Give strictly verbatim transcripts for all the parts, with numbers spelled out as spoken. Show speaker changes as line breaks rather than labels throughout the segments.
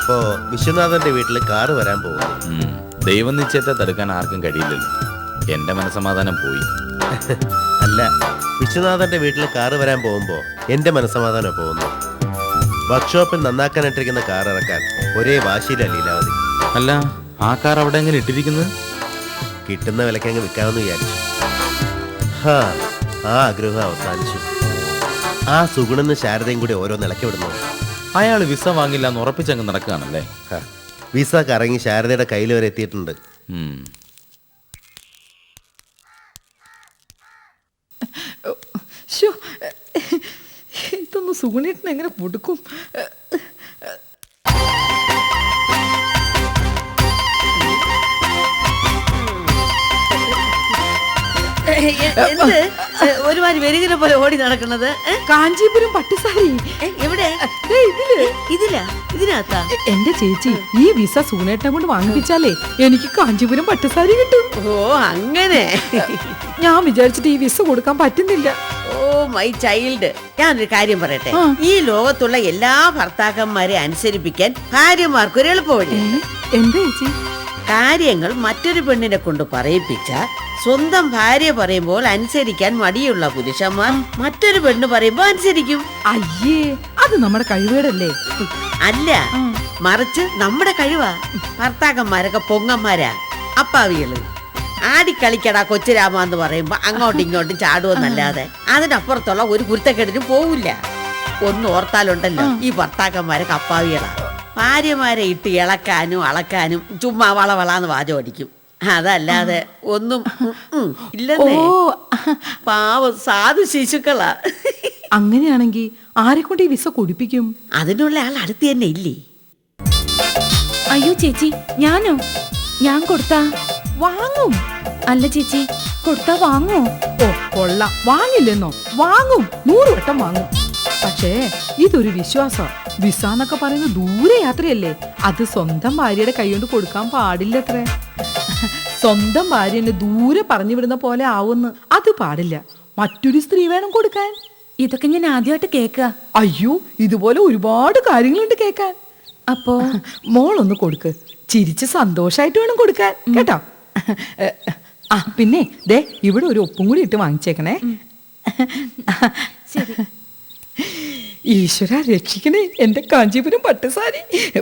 അപ്പോ വിശ്വനാഥന്റെ വീട്ടിൽ കാറ് വരാൻ പോകുന്നു.
ദൈവം നിശ്ചയത്തെ തടുക്കാൻ ആർക്കും കഴിയില്ലല്ലോ. എന്റെ മനസ്സമാധാനം പോയി.
അല്ല, വിശ്വനാഥന്റെ വീട്ടിൽ കാറ് വരാൻ പോകുമ്പോ എന്റെ മനസ്സമാധാനം പോകുന്നു. വർക്ക്ഷോപ്പിൽ നന്നാക്കാനിട്ടിരിക്കുന്ന കാർ ഇറക്കാൻ ഒരേ വാശിയില്ല ലീലാവതി.
അല്ല, ആ കാർ അവിടെ എങ്ങനെ ഇട്ടിരിക്കുന്നത്?
കിട്ടുന്ന വിലക്ക് അങ്ങ് വിൽക്കാമെന്ന് വിചാരിച്ചു. ഹാ, ആ ആഗ്രഹം അവസാനിച്ചു. ആ സുഗുണെന്ന് ശാരദയും കൂടി ഓരോ നിലയ്ക്ക് വിടുന്നു.
അയാൾ വിസ വാങ്ങില്ല എന്ന് ഉറപ്പിച്ചങ്ങ് നടക്കുകയാണല്ലേ?
വിസ കറങ്ങി ശാരദയുടെ കയ്യിൽ വരെ എത്തിയിട്ടുണ്ട്.
ഇതൊന്ന് സുഗുണേട്ടൻ എങ്ങനെ കൊടുക്കും?
എന്ത് ഒരുമാതിരി വെരുകിനെ പോലെ ഓടി നടക്കുന്നത്?
കാഞ്ചീപുരം പട്ടുസാരി
എവിടെ?
ഇതില്
ഇതിലാ? ഇതിനകത്താ?
എന്റെ ചേച്ചി, ഈ വിസ സുഗുണേട്ടനെ കൊണ്ട് വാങ്ങിപ്പിച്ചാലേ എനിക്ക് കാഞ്ചീപുരം പട്ടുസാരി കിട്ടും.
ഓ അങ്ങനെ.
ഞാൻ വിചാരിച്ചിട്ട് ഈ വിസ കൊടുക്കാൻ പറ്റുന്നില്ല.
ഓ മൈ ചൈൽഡ്, ഞാനൊരു കാര്യം പറയട്ടെ. ഈ ലോകത്തുള്ള എല്ലാ ഭർത്താക്കന്മാരെ അനുസരിപ്പിക്കാൻ ഭാര്യമാർക്കൊരു എളുപ്പവഴി.
എന്താ ചേച്ചി?
കാര്യങ്ങൾ മറ്റൊരു പെണ്ണിനെ കൊണ്ട് പറയിപ്പിച്ച സ്വന്തം ഭാര്യ പറയുമ്പോൾ അനുസരിക്കാൻ മടിയുള്ള പുരുഷന്മാർ മറ്റൊരു പെണ്ണ് പറയുമ്പോ അനുസരിക്കും.
അയ്യേ, അത് നമ്മുടെ കഴിവേടല്ലേ?
അല്ല, മറിച്ച് നമ്മുടെ കഴിവാ. ഭർത്താക്കന്മാരൊക്കെ പൊങ്ങന്മാരാ, അപ്പാവികള്. ആടിക്കളിക്കടാ കൊച്ചുരാമ എന്ന് പറയുമ്പോ അങ്ങോട്ടും ഇങ്ങോട്ടും ചാടുവെന്നല്ലാതെ അതിനപ്പുറത്തുള്ള ഒരു കുരുത്തക്കെട്ടിനും പോവില്ല. ഒന്ന് ഓർത്താലുണ്ടല്ലോ, ഈ ഭർത്താക്കന്മാരൊക്കെ അപ്പാവികളാ. ഭാര്യമാരെ ഇട്ട് ഇളക്കാനും അളക്കാനും ചുമ്മാ വളവളാന്ന് വാചം അടിക്കും. അതല്ലാതെ ഒന്നും ഇല്ലെന്നേ. പാവം സാധു ശിശുക്കളാ.
അങ്ങനെയാണെങ്കിൽ ആരെ കൊണ്ട് ഈ വിസ കുടിപ്പിക്കും?
അതിനുള്ള ആൾ അടുത്ത് തന്നെ ഇല്ലേ?
അയ്യോ ചേച്ചി, ഞാനോ? ഞാൻ കൊടുത്താ
വാങ്ങും.
അല്ല ചേച്ചി, കൊടുത്താ വാങ്ങോ?
ഓ കൊള്ളാം, വാങ്ങില്ലെന്നോ? വാങ്ങും, നൂറ് വട്ടം വാങ്ങും. പക്ഷേ ഇതൊരു വിശ്വാസം. വിസ എന്നൊക്കെ പറയുന്നത് ദൂരെ യാത്രയല്ലേ, അത് സ്വന്തം ഭാര്യയുടെ കൈകൊണ്ട് കൊടുക്കാൻ പാടില്ലത്രേ. സ്വന്തം ഭാര്യ എന്നെ ദൂരെ പറഞ്ഞു വിടുന്ന പോലെ ആവുന്നു. അത് പാടില്ല. മറ്റൊരു സ്ത്രീ വേണം കൊടുക്കാൻ.
ഇതൊക്കെ ഞാൻ ആദ്യമായിട്ട് കേൾക്കുക.
അയ്യോ, ഇതുപോലെ ഒരുപാട് കാര്യങ്ങളുണ്ട് കേൾക്കാൻ.
അപ്പോ
മോളൊന്ന് കൊടുക്ക്, ചിരിച്ച് സന്തോഷായിട്ട് വേണം കൊടുക്കാൻ, കേട്ടോ? ആ പിന്നെ ദേ, ഇവിടെ ഒരു ഒപ്പും കൂടി ഇട്ട് വാങ്ങിച്ചേക്കണേ.
ശരി.
ഈശ്വര രക്ഷിക്കണേ എന്റെ കാഞ്ചീപുരം പട്ടുസാരി.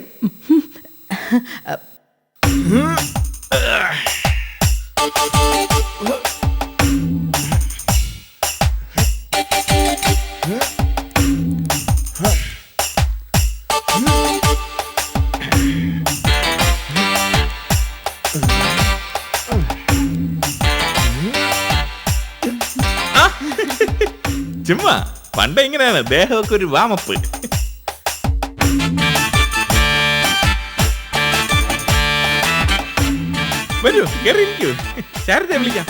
ചുമ്മാ പണ്ട് ഇങ്ങനെയാണ്, ദേഹമൊക്കെ ഒരു വാമപ്പ്. വരൂ, കേറിയിരിക്കൂ. ശാരദയെ വിളിക്കാം.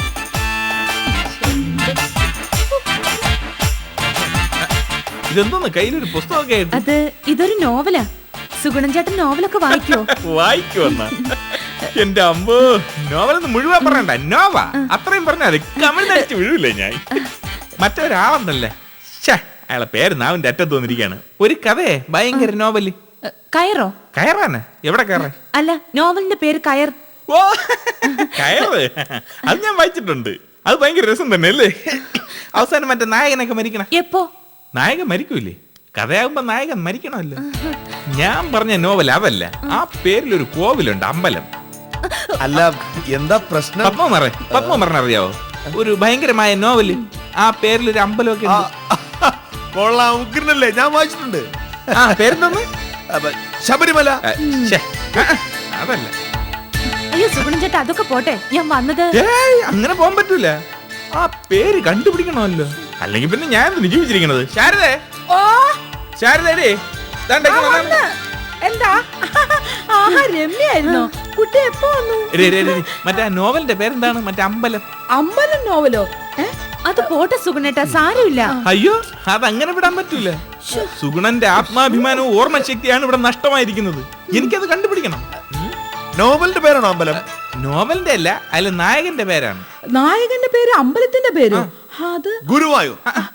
ഇതെന്തോന്ന് കയ്യിലൊരു പുസ്തകമൊക്കെ ആയിട്ട്?
അത് ഇതൊരു നോവലാ. സുഗുണൻ ചേട്ടൻ നോവലൊക്കെ വായിക്കോ?
വായിക്കുവന്ന എന്റെ അമ്പോ, നോവലൊന്നും മുഴുവൻ പറയണ്ട, നോവ അത്രയും പറഞ്ഞാൽ കമിഴ്ന്നടിച്ച് വീഴൂലേ ഞാൻ. മറ്റൊരാളെന്നല്ലേ, അയാളെ പേര് നാവിന്റെ അറ്റത്ത് വന്നിരിക്കുകയാണ്. ഒരു കഥയെ ഭയങ്കര നോവല്.
കയറോ?
കയറാന്? എവിടെ കയറാൻ?
അല്ല, നോവലിന്റെ പേര് കയർ.
ഓ കയറ്, അത് ഞാൻ വായിച്ചിട്ടുണ്ട്. അത് ഭയങ്കര രസം തന്നെ അല്ലേ? അവസാനം മറ്റേ നായകനൊക്കെ മരിക്കണം.
എപ്പോ?
നായകൻ മരിക്കൂലേ? കഥയാകുമ്പോ നായകൻ മരിക്കണമല്ലോ. ഞാൻ പറഞ്ഞ നോവൽ അതല്ല. ആ പേരിലൊരു കോവിലുണ്ട്, അമ്പലം.
അല്ല, എന്താ പ്രശ്നം?
പത്മമറ പത്മമറൻ അറിയാവോ? ഒരു ഭയങ്കരമായ നോവല്. ആ പേരിലൊരു അമ്പലമൊക്കെ
കൊള്ളാം, ഉഗ്രനല്ലേ? ഞാൻ വായിച്ചിട്ടുണ്ട്.
ആ പേരെന്തോന്ന്?
ശബരിമല.
അതല്ല.
അയ്യോ സുഗുണൻ ചേട്ടാ, അതൊക്കെ പോട്ടെ. ഞാൻ വന്നത്
അങ്ങനെ പോകാൻ പറ്റൂല. ആ പേര് കണ്ടുപിടിക്കണമല്ലോ, അല്ലെങ്കിൽ പിന്നെ ഞാൻ ജീവിച്ചിരിക്കണത്. ശാരദേ, ശാരദേ,
എന്താ? ആഹാ, രമ്യായിരുന്നോ? കുട്ടി എപ്പോ വന്നു?
മറ്റേ നോവലിന്റെ പേരെന്താണ്? മറ്റേ അമ്പലം.
അമ്പലം നോവലോ?
അത് പോട്ടെ സുഗുണേട്ടാ, സാരമില്ല.
അയ്യോ, അതങ്ങനെ വിടാൻ പറ്റൂല. സുഗുണന്റെ ആത്മാഭിമാനവും ഓർമ്മശക്തിയാണ് ഇവിടെ നഷ്ടമായിരിക്കുന്നത്. എനിക്കത് കണ്ടുപിടിക്കണം.
നോവലിന്റെ പേരാണോ അമ്പലം?
നോവലിന്റെ അല്ല, അതിൽ നായകന്റെ പേരാണ്.
നായകന്റെ പേര് അമ്പലത്തിന്റെ പേര്? അത്
ഗുരുവായൂർ.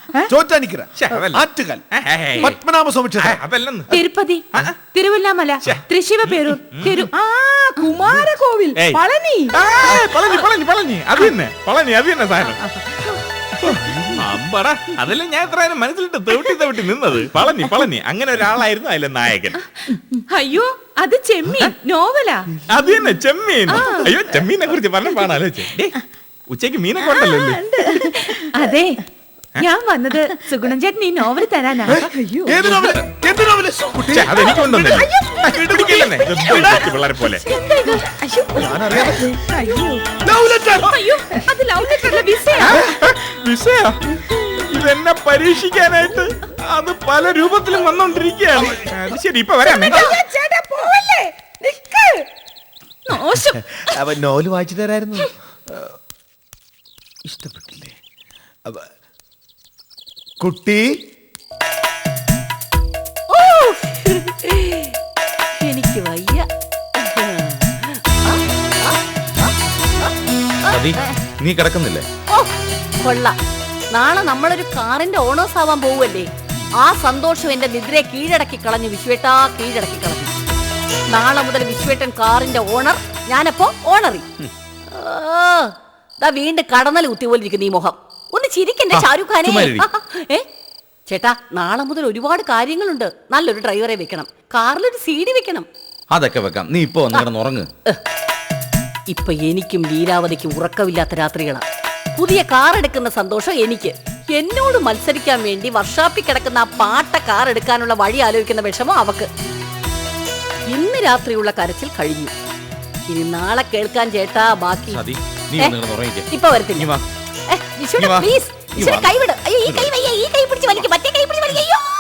ചോറ്റാനിക്കര,
ശ്ശെ, അതല്ല.
ആറ്റുകാൽ,
ഏയ്.
പത്മനാഭസ്വാമി
ആ,
ക്ഷേത്രം.
അതല്ലെന്ന്
തിരുപ്പതി തിരുവല്ലാമല തൃശ്ശിവ പേരൂർ തിരു
ആ കുമാരകോവിൽ
ഏയ്.
പളനി
ആ, പളനി പളനി പളനി അത് തന്നെ പളനി അത് തന്നെ സാധനം അമ്പടാ അതല്ലേ ഞാൻ എത്ര നേരം മനസ്സിലിട്ട് തെവിട്ടി തെവിട്ടി നിന്നത്. പളനി പളനി അങ്ങനെ ഒരാളായിരുന്നു അതിലെ നായകൻ.
അയ്യോ അത് ചെമ്മീൻ നോവലാ.
അത് തന്നെ ചെമ്മീൻ. അയ്യോ ചെമ്മീനെ കുറിച്ച് പറഞ്ഞപ്പോഴാണ് ആലോചിച്ചേ. ഉച്ചയ്ക്ക് മീനൊക്കെ ഉണ്ടല്ലോ അല്ലേ?
അതെ ഞാൻ വന്നത് സുഗുണൻ ചേട്ടൻ ഈ നോവൽ തരാനാ.
ഏത് നോവല്? എന്ത് നോവല്? കുട്ടി,
ഛെ, അതെനിക്ക് കൊണ്ടുവന്നില്ല. പിടിക്കില്ലെന്നേ. ഇത് പിള്ളേരെ പോലെ
ഞാനറിയാതെ. Love letter.
അയ്യോ അത് ലവ് ലെറ്ററിലെ വിസയാ.
വിഷയ ഇതെന്നെ പരീക്ഷിക്കാനായിട്ട് അത് പല രൂപത്തിലും വന്നോണ്ടിരിക്കുകയാണ്. അത് ശരി ഇപ്പൊ വരാമേ.
മോശം.
അവൻ നോവല് വായിച്ചു തരായിരുന്നു. ഇഷ്ടപ്പെട്ടില്ലേ? അവ- കുട്ടി,
എനിക്ക് വയ്യ.
നീ കിടക്കുന്നില്ലേ?
ഓ കൊള്ളാം. നാളെ നമ്മളൊരു കാറിന്റെ ഓണേഴ്സ് ആവാൻ പോവല്ലേ. ആ സന്തോഷം എന്റെ നിദ്രയെ കീഴടക്കി കളഞ്ഞു വിശ്വേട്ടാ, കീഴടക്കി കളഞ്ഞു. നാളെ മുതൽ വിശ്വേട്ടൻ കാറിന്റെ ഓണർ, ഞാനപ്പോ ഓണറി. ദാ വീണ്ടും കടന്നൽ കുത്തിപോലിരിക്കുന്നു ഈ മുഖം. ഒന്ന് ചിരിക്കണ്ടേ ഷാരൂഖ് ഖാനെ? ഏ ചേട്ടാ നാളെ മുതൽ ഒരുപാട് കാര്യങ്ങളുണ്ട്. നല്ലൊരു ഡ്രൈവറെ വെക്കണം, കാറിലൊരു സീഡി വെക്കണം.
അതൊക്കെ വെക്കാം. നീ ഇപ്പൊ വന്ന് കിടന്ന് ഉറങ്ങ്.
ഇപ്പൊ എനിക്കും ലീലാവതിക്കും ഉറക്കമില്ലാത്ത രാത്രികളാ. പുതിയ കാർ എടുക്കുന്ന സന്തോഷം എനിക്ക്. എന്നോട് മത്സരിക്കാൻ വേണ്ടി വർഷാപ്പിൽ കിടക്കുന്ന ആ പാട്ട കാർ എടുക്കാനുള്ള വഴി ആലോചിക്കുന്ന വിഷമം അവക്ക്. ഇന്ന് രാത്രിയുള്ള കരച്ചിൽ കഴിഞ്ഞു. ഇനി നാളെ കേൾക്കാൻ ചേട്ടാ ബാക്കി.
സതി, നീ
ഏ?
വന്ന് കിടന്ന് ഉറങ്ങിക്കേ.
ഇപ്പൊ വരത്തില്ല.
നീ വാ.
ഏ, വിഷുവിന്
നീ വാ.
please.
നീ
വിഷുവിന്
വാ.
കൈവിട്. അയ്യോ ഈ കൈ വയ്യ, ഈ കൈ പിടിച്ച് വലിക്കും, മറ്റേ കൈ പിടിച്ച് വലിക്കും. അയ്യോ